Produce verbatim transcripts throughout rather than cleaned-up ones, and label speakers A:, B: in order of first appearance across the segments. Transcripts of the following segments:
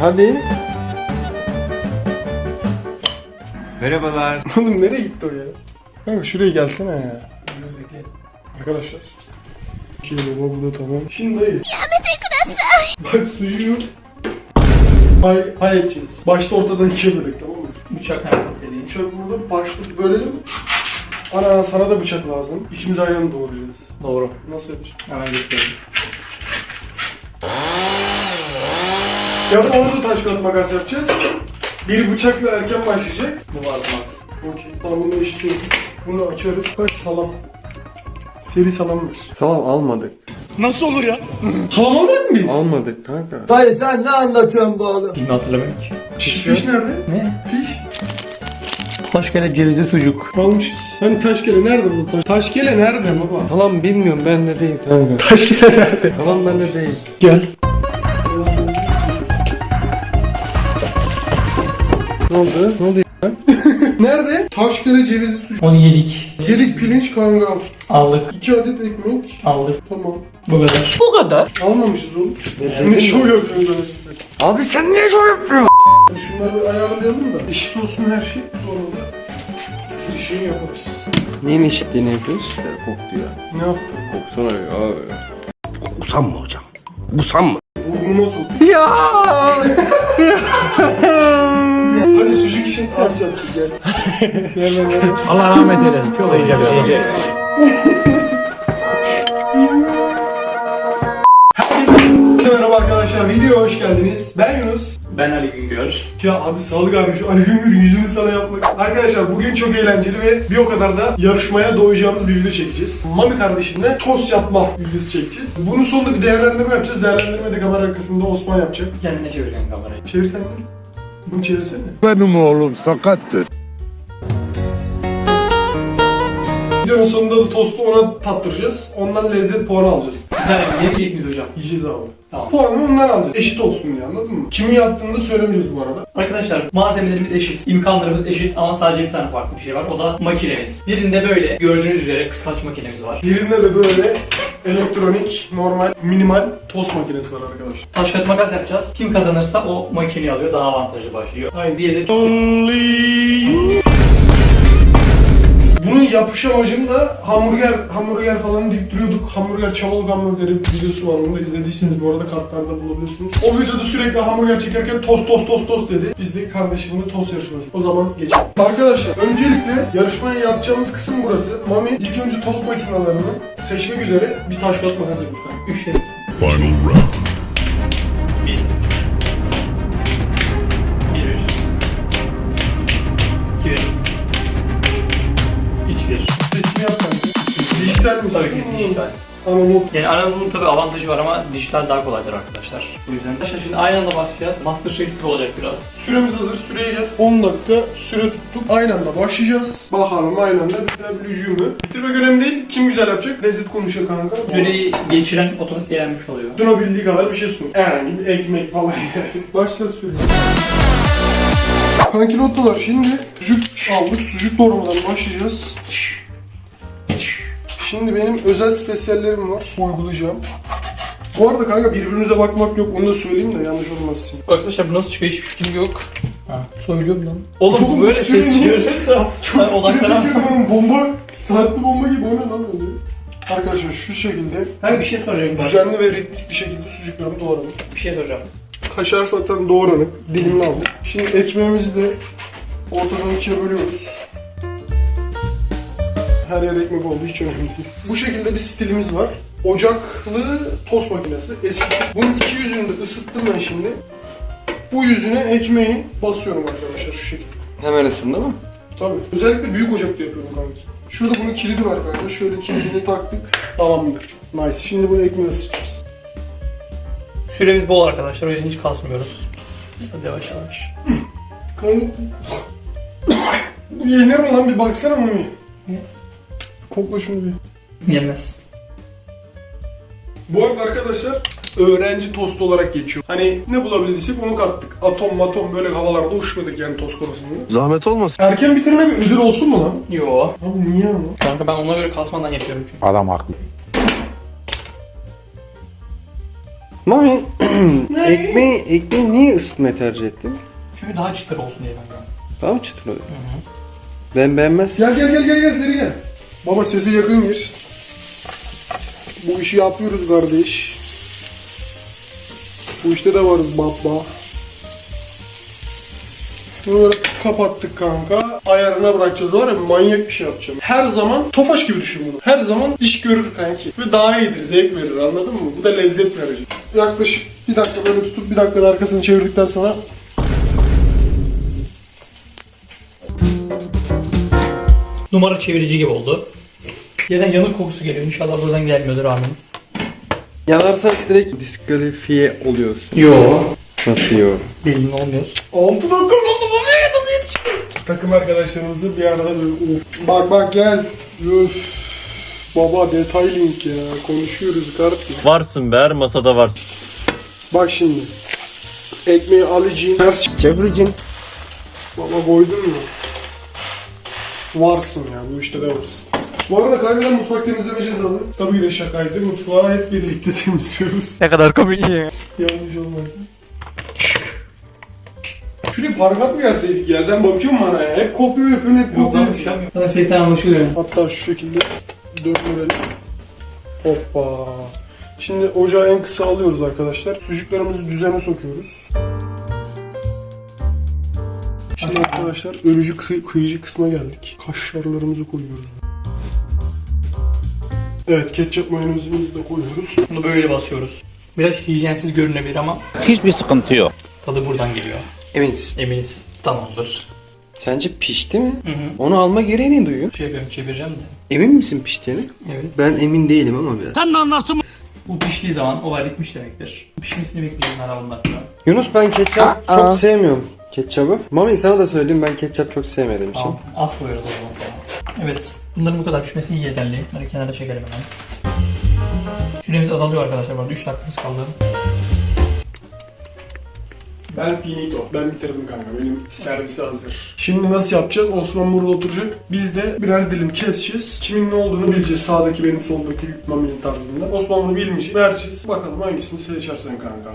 A: hadi.
B: Merhabalar.
A: Oğlum nereye gitti o ya? Kanka şuraya gelsene ya. Arkadaşlar. Şey baba bu da tamam. Şimdi dayı. Bak sucuğu pay, pay edeceğiz. Başta ortadan ikiye bölek, tamam mı?
C: Bıçak nerede istediğin?
A: Bıçak burada, başta bölelim. Ana sana da bıçak lazım. İkimiz aynı anda doğrayacağız.
C: Doğru.
A: Nasıl yapacağız?
C: Hemen göstereyim.
A: Ya da orada taş kağıt makas yapacağız. Bir bıçakla erken başlayacak.
C: Bu var max.
A: Okey. Tamam bunu eşitliyoruz. Bunu açıyoruz. Kaç salam. Seri salamdır.
B: Salam almadık.
A: Nasıl olur ya? Salam almadık mıyız?
B: Almadık kanka.
D: Dayı sen ne anlatıyorsun bu oğlum?
C: Bilmiyorum, hatırlamıyorum ki.
A: Fiş, fiş nerede?
C: Ne?
A: Fiş.
C: Taşkele cevizli sucuk.
A: Almışız. Hani taşkele nerede bu? Taş... Taşkele nerede baba?
B: Salam bilmiyorum, bende değil kanka.
A: Taşkele nerede?
B: Salam bende değil.
A: Gel.
B: Ne oldu? Ne oldu ya?
A: Nerede? Taşkele cevizi sucuk.
C: Onu yedik.
A: Yedik pirinç kangal.
C: Aldık.
A: İki adet ekmek.
C: Aldık.
A: Tamam.
C: Bu kadar.
B: Bu kadar.
A: Almamışız oğlum. Ne şov yapıyoruz öyle.
B: Abi sen niye şov yapıyorsun?
A: Şunları bir ayarlayalım da eşit olsun her şey. Sonra da bir şey yaparız.
B: Neyin eşitliğini yapıyoruz? Ya, koktu ya.
A: Ne yaptın?
B: Koksana ya abi.
E: Usanma hocam. Usanma.
A: Burnuma sok.
B: Ya.
A: Hadi sucuk için az yapacağız gel. Gel gel gel.
D: Allah rahmet eylesin. Çok iyice iyice.
A: Merhaba arkadaşlar, videoya hoş geldiniz. Ben Yunus.
C: Ben Ali Güngör.
A: Ya abi sağlık abi, şu Ali Güngör yüzünü sana yapmak. Arkadaşlar bugün çok eğlenceli ve bir o kadar da yarışmaya doyacağımız bir video çekeceğiz. Mami kardeşimle tost yapma videosu çekeceğiz. Bunun sonunda bir değerlendirme yapacağız. Değerlendirme de kamera arkasında Osman yapacak.
C: Kendine çeviren kamerayı.
A: Çevir kendini. Bunu çevirsene.
E: Benim oğlum sakattır.
A: Videonun sonunda da tostu ona tattıracağız. Ondan lezzet puanı alacağız.
C: Bir saniye biz yemeyecek miyiz hocam?
A: Yiyeceğiz abi.
C: Tamam.
A: Puanı ondan alacağız. Eşit olsun diye, anladın mı? Kimin yaptığını da söylemeyeceğiz bu arada.
C: Arkadaşlar malzemelerimiz eşit, imkanlarımız eşit ama sadece bir tane farklı bir şey var. O da makinemiz. Birinde böyle gördüğünüz üzere kıskaç makinemiz var.
A: Birinde de böyle elektronik, normal, minimal tost makinesi var arkadaşlar.
C: Taş kağıt makas yapacağız. Kim kazanırsa o makineyi alıyor. Daha avantajlı başlıyor.
A: Aynen.
C: Diğeri
A: Bunun yapış amacını da hamburger, hamburger falan deyip duruyorduk. Hamburger, çamalık hamburgeri videosu var. Onu da izlediyseniz bu arada kartlarda bulabilirsiniz. O videoda sürekli hamburger çekerken tost tost tost tost dedi. Biz de kardeşimle tost yarışması. O zaman geçelim. Arkadaşlar öncelikle yarışmaya yapacağımız kısım burası. Mami ilk önce tost makinelerini seçmek üzere bir taş kağıt makas yapıyoruz.
C: üç verirsin.
E: Final round.
C: Bir. Bir bir. İki bir. Üç bir.
A: Seçimi yap kanka. Dijital mi?
C: Tabii ki dijital.
A: Analog.
C: Yani analog'un tabii avantajı var ama dijital daha kolaydır arkadaşlar. Bu yüzden. Arkadaşlar şimdi aynı anda başlayacağız. Masterchef gibi olacak biraz.
A: Süremiz hazır. Süreye gel. on dakika süre tuttuk. Aynı anda başlayacağız. Bakalım aynı anda bitirebileceğim mi? Bitirmek önemli değil. Kim güzel yapacak? Lezzet konuşuyor kanka.
C: Süreyi geçiren otomatik eğlenmiş oluyor.
A: Sunabildiği kadar bir şey sun. Herhangi bir ekmek falan yani. Başla süre. Kankilottolar, şimdi sucuk aldık. Sucuk doğramadan başlayacağız. Şimdi benim özel spesiyallerim var. Uygulayacağım. Bu arada kanka birbirinize bakmak yok. Onu da söyleyeyim de yanlış olmasın.
C: Arkadaşlar bu nasıl çıkıyor hiçbir fikrim yok. Ha, söylüyorum lan. Oğlum
A: Oğlum,
C: bu böyle
A: sürün
C: ses
A: bu.
C: çıkarırsa
A: Çok
C: ben
A: strese
C: odaklanamam.
A: girdim oğlum. Bomba, saatli bomba gibi. O ne lan öyle? Arkadaşlar şu şekilde
C: Hayır bir şey soracağım ben.
A: düzenli ve ritmik bir şekilde sucuklarımı doğradım.
C: Bir şey soracağım.
A: Kaşar zaten doğranıp dilimli aldık. Şimdi ekmeğimizi de ortadan ikiye bölüyoruz. Her yer ekmek oldu, hiç önemli değil. Bu şekilde bir stilimiz var. Ocaklı tost makinesi. Eski. Bunun iki yüzünü de ısıttım ben şimdi. Bu yüzüne ekmeği basıyorum arkadaşlar şu şekilde.
B: Hemen ısındı mı?
A: Tabii. Özellikle büyük ocakta yapıyorum kanki. Şurada bunun kilidi var kanka. Şöyle kilidini taktık. Tamamdır. Nice. Şimdi bu ekmeği ısıtacağız.
C: Süremiz bol arkadaşlar o yüzden hiç kasmıyoruz. Biraz yavaş yavaş.
A: Kanka... Yenir mi lan, bir baksana Mami. Kokla şunu bir.
C: Yemez.
A: Bu arada arkadaşlar öğrenci tostu olarak geçiyor. Hani ne bulabildiysek onu kattık. Atom matom böyle havalarda uçmadık yani tost konusunda.
E: Zahmet olmasın.
A: Erken bitirme bir ödül olsun mu lan?
C: Yo.
A: Abi niye ama?
C: Kanka ben ona göre kasmadan yapıyorum çünkü.
D: Adam haklı.
B: Mami ekmeği, ekmeği niye ısıtmayı tercih ettin?
C: Çünkü daha çıtır olsun diye ben.
B: Daha mı çıtır oluyor? Ben beğenmezsem.
A: Gel gel gel gel gel seri gel. Baba sesi yakın gir. Bu işi yapıyoruz kardeş. Bu işte de varız baba. Bunu böyle kapattık kanka. Ayarına bırakacağız. Var ya manyak bir şey yapacağım. Her zaman Tofaş gibi düşün bunu. Her zaman iş görür kanki. Ve daha iyidir. Zevk verir anladın mı? Bu da lezzet verecek. Yaklaşık bir dakika böyle tutup bir dakikada arkasını çevirdikten sonra
C: Numara çevirici gibi oldu. Yerden yanık kokusu geliyor. İnşallah buradan gelmiyordur amin.
B: Yanarsan direkt diskalifiye oluyorsun.
C: Yo.
B: Nasıl yok?
C: Belli olmuyor.
A: altı dakika oldu bu ne? Nasıl yetişiyor? Takım arkadaşlarımızı bir arada böyle of. Bak bak gel. Üf. Baba detay link ya. Konuşuyoruz kardeşim.
F: Varsın be, her masada varsın.
A: Bak şimdi. Ekmeği alacaksın. Ters çevireceksin. Baba koydun mu? Varsın ya. Bu işte de varsın. Bu arada kaybeden mutfak temizleme cezalı. Tabii ki de şakaydı. Mutfağı hep birlikte temizliyoruz.
C: Ne kadar komik ya.
A: Yanlış olmasın. Şuraya parmak mı yerseydik ya? Sen bakıyorsun bana ya. Hep kopuyor yapıyorsun, hep
C: Yok
A: kopuyor.
C: lan bir şey yapmıyorum. Sana seyitten anlaşılıyor.
A: Hatta şu şekilde döndürelim. Hoppa. Şimdi ocağı en kısa alıyoruz arkadaşlar. Sucuklarımızı düzene sokuyoruz. Şimdi arkadaşlar ölücü kıy- kıyıcı kısma geldik. Kaşarlarımızı koyuyoruz. Evet, ketçap mayonezimizi de koyuyoruz.
C: Bunu böyle basıyoruz. Biraz hijyensiz görünebilir ama
G: Hiçbir sıkıntı yok.
C: tadı buradan geliyor.
B: Eminiz.
C: Eminiz. Tamamdır.
B: Sence pişti mi?
C: Hı hı.
B: Onu alma gereği ne duyuyor?
C: Şey yapıyorum, çevireceğim de.
B: Emin misin piştiğini?
C: Evet.
B: Ben emin değilim ama biraz.
C: Bu piştiği zaman olay bitmiş demektir. Pişmesini bekleyeceğim ara bundan sonra.
B: Yunus ben ketçap çok sevmiyorum. Ketçabı. Mami sana da söyleyeyim, ben ketçap çok sevmediğim için.
C: Tamam. Az koyuyoruz o zaman sana. Evet. Bunların bu kadar pişmesi iyi yeterli. Bunları kenara çekelim hemen. Süremiz azalıyor arkadaşlar. Bu arada üç dakikamız kaldı.
A: Ben finito. Ben bitirdim kanka. Benim servisi hazır. Şimdi nasıl yapacağız? Osman burada oturacak. Biz de birer dilim keseceğiz. Kimin ne olduğunu bileceğiz. Sağdaki benim, soldaki Mami'nin tarzında. Osman bunu bilmeyecek. Vereceğiz. Bakalım hangisini seçersen kanka.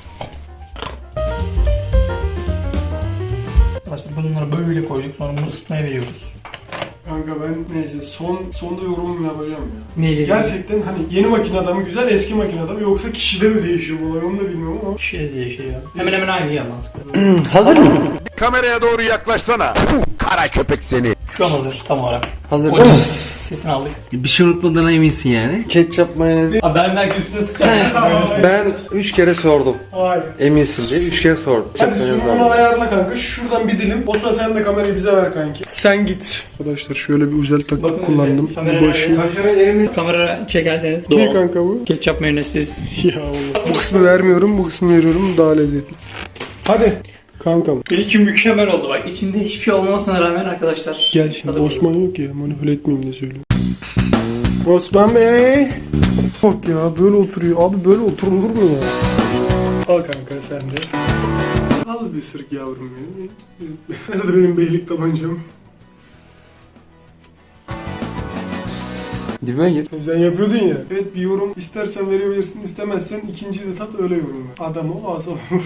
C: Arkadaşlar bunları böyle koyduk. Sonra bunu ısıtmaya veriyoruz.
A: Kanka ben neyse son sonda yorum yapacağım ya.
C: Neyle?
A: Gerçekten hani yeni makine mı güzel, eski makine mı, yoksa kişide mi değişiyor bu olay, onu da bilmiyorum ama.
C: Şey diye şey ya. Hemen hemen aynı ya mantıklı.
B: Hazır mı?
E: Kameraya doğru yaklaşsana. Kara köpek seni.
C: Şu an hazır tam olarak.
B: Hazır
C: O
B: değil mi?
C: sesini aldık.
B: Bir şey unutmadığına eminsin yani. Ketçap mayonez.
C: Abi ben belki üstüne sıkacağım.
B: Ben üç kere sordum.
A: Hayır.
B: Eminsin diye üç kere sordum.
A: Hadi
B: Ketçap mayonez
A: sunumunu
B: var.
A: ayarla kanka. Şuradan bir dilim. Osman sen de kamerayı bize ver kanki. Sen git. Arkadaşlar şöyle bir özel taktik
C: Bakın
A: kullandım.
C: özel. Kamera
A: Başı.
C: nerede? Kamera çekerseniz
A: Ne
C: doğal.
A: kanka bu?
C: Ketçap mayonezsiz.
A: Ya Allah. Bu kısmı vermiyorum, bu kısmı veriyorum. Daha lezzetli. Hadi. Kankam.
C: Benimki mükemmel oldu bak. İçinde hiçbir şey olmamasına rağmen arkadaşlar.
A: Gel şimdi.
C: Tadı
A: Osman yok ya. Manipüle etmeyeyim de söyleyeyim. Osman Bey. Bak ya böyle oturuyor. Abi böyle oturulur mu ya? Al kanka sen de. Al bir sırık yavrum benim. Nerede benim beylik tabancam?
B: Dibime gir.
A: Sen yapıyordun ya. Evet bir yorum istersen verebilirsin, istemezsen ikinciyi de tat öyle yorum ver. Adam ol, asal ol.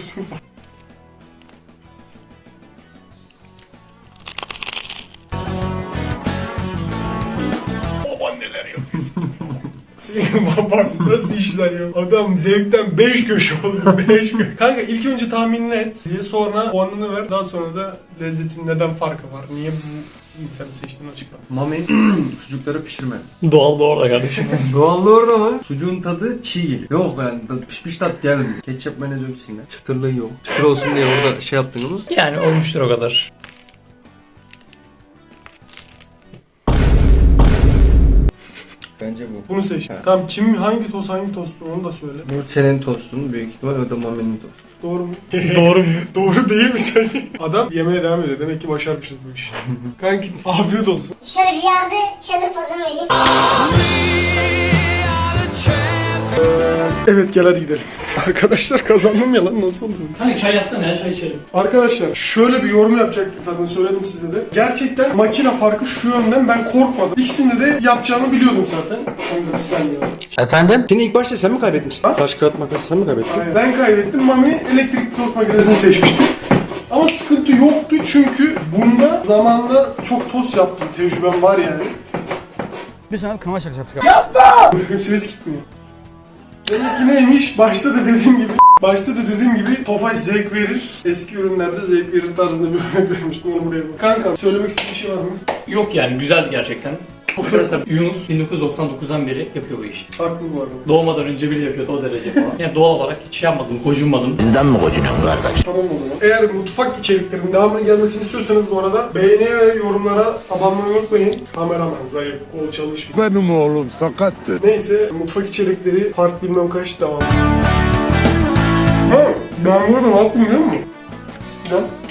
A: Baban neler yapıyorsun? Senin baban nasıl işler ya? Adam zevkten beş köşe oldu. beş köşe. Kanka ilk önce tahminini et. Diye sonra puanını ver. Daha sonra da lezzetin neden farkı var? Niye bu insanı seçtiğini açıkla.
H: Mami sucukları pişirme.
C: Doğal da orada kardeşim.
H: Doğallığı orada mı? Sucuğun tadı çiğ geliyor. Yok yani pişmiş tat gelmiyor. Ketçap mayonez yok içinde.
B: Çıtırlığı yok. Çıtır olsun diye orada şey yaptın ama.
C: Yani olmuştur o kadar.
B: Bence bu.
A: Bunu seçtim.
B: Ha.
A: Tamam kim hangi tost hangi tostu onu da söyle.
B: Bu senin tostun büyük ihtimal, o da Mami'nin tostu.
A: Doğru mu?
C: Doğru mu?
A: Doğru değil mi sence? Adam yemeğe devam ediyor. Demek ki başarmışız bu işi. Kanki afiyet olsun.
I: Şöyle bir yerde çadır pozumu vereyim.
A: Evet gel hadi gidelim. Arkadaşlar kazandım ya lan, nasıl oldu?
C: Hani çay yapsana ya, çay içelim.
A: Arkadaşlar şöyle bir yorum yapacak, zaten söyledim size de. Gerçekten makine farkı şu yönden, ben korkmadım. İkisinde de yapacağımı biliyordum zaten. Onu da bir saniye.
B: Efendim? Şimdi ilk başta sen mi kaybetmiştin?
A: Ha?
B: Taş kağıt makası sen mi kaybettin?
A: Aynen. Ben kaybettim, Mami elektrikli tost makinesini seçmişti. Ama sıkıntı yoktu çünkü bunda zamanında çok tost yaptım, tecrübem var yani.
D: Bir sana kanal şakası yaptık.
A: Böyle ses gitmiyor. Demek ki neymiş? Başta da dediğim gibi Başta da dediğim gibi Tofaş zevk verir. Eski ürünlerde zevk verir tarzında bir örnek vermiştim, onu buraya bak. Kanka söylemek istediğin bir şey var mı?
C: Yok yani, güzeldi gerçekten. Arkadaşlar Yunus bin dokuz yüz doksan dokuzdan beri yapıyor bu işi.
A: Haklı bu arada.
C: Doğmadan önce bile yapıyordu o derece falan. Yani doğal olarak hiç şey yapmadım, gocunmadım.
E: Bizden mi kocunun kardeş?
A: Tamam o zaman. Eğer mutfak içeriklerinin devamını gelmesini istiyorsanız bu arada beğeni ve yorumlara abone olmayı unutmayın. Kameraman zayıf, kol çalışmıyor.
E: Benim oğlum sakattı.
A: Neyse, mutfak içerikleri part bilmem kaç devam. Ha, ben burada ne yaptım biliyor musun? Lan